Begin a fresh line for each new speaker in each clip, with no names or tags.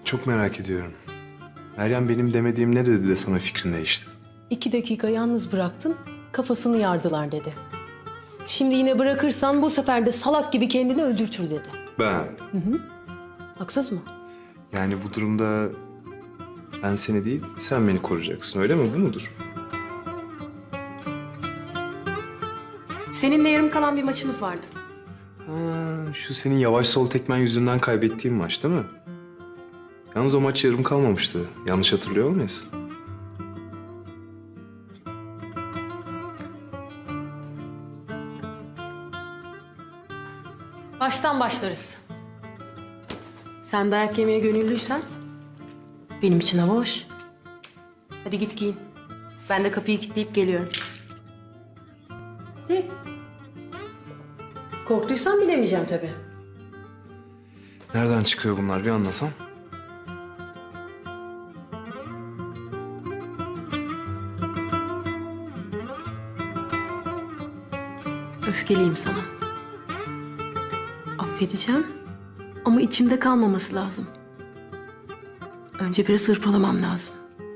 Çok merak ediyorum. Meryem benim demediğim ne dedi de sana fikrin değişti?
2 dakika yalnız bıraktın, kafasını yardılar dedi. Şimdi yine bırakırsan bu sefer de salak gibi kendini öldürtür dedi.
Ben?
Haksız mı?
Yani bu durumda ben seni değil, sen beni koruyacaksın, öyle mi? Bu mudur?
Seninle yarım kalan bir maçımız vardı.
Ha, şu senin yavaş sol tekmen yüzünden kaybettiğin maç değil mi? Yalnız o maç yarım kalmamıştı. Yanlış hatırlıyor olmayasın?
Baştan başlarız. Sen dayak yemeye gönüllüysen benim için hava hoş. Hadi git giyin. Ben de kapıyı kilitleyip geliyorum. Hı. Korktuysan bilemeyeceğim tabii.
Nereden çıkıyor bunlar bir anlasam?
Öfkeliyim sana. Affedeceğim ama içimde kalmaması lazım. Önce biraz hırpalamam lazım.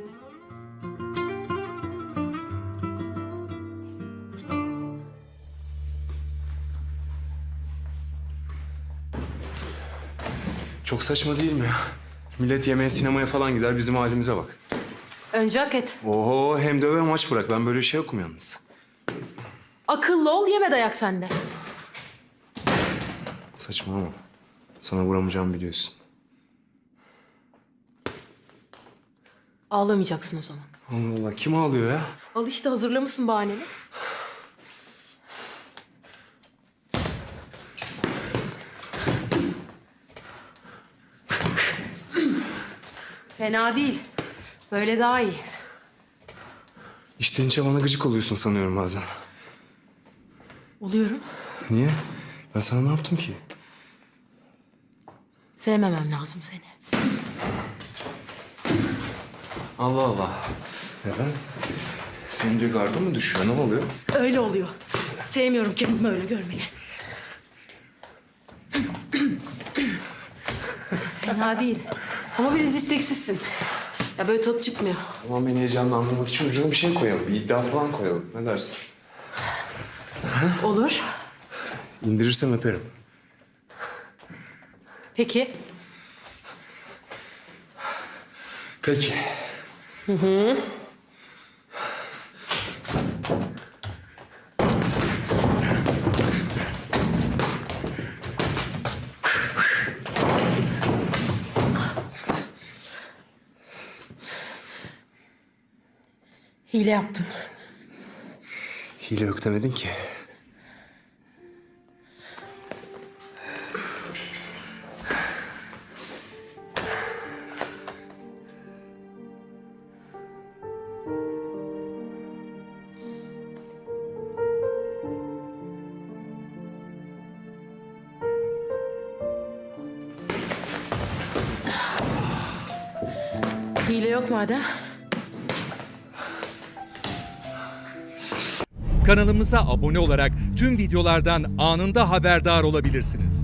Çok saçma değil mi ya? Millet yemeğe, sinemaya falan gider, bizim halimize bak.
Önce hak et.
Oho, hem döve maç bırak. Ben böyle şey yokum yalnız.
Akıllı ol, yeme dayak sende.
Saçmalama. Sana vuramayacağımı biliyorsun.
Ağlamayacaksın o zaman.
Allah Allah, kim ağlıyor ya?
Al işte, hazırlamışsın bahaneni. Fena değil. Böyle daha iyi.
İçten içe bana gıcık oluyorsun sanıyorum bazen.
Oluyorum.
Niye? Ben sana ne yaptım ki?
Sevmemem lazım seni.
Allah Allah. Neden? Senince garda mı düşüyor? Ne oluyor?
Öyle oluyor. Sevmiyorum kendimi öyle görmeyi. Fena değil. Ama biraz isteksizsin. Ya böyle tadı çıkmıyor.
O zaman beni heyecanlandırmak için ucuna bir şey koyalım. Bir iddia falan koyalım. Ne dersin?
Olur.
İndirirsem öperim.
Peki.
Peki.
Hile yaptın.
Hile yok demedin ki.
Hile yok madem.
Kanalımıza abone olarak tüm videolardan anında haberdar olabilirsiniz.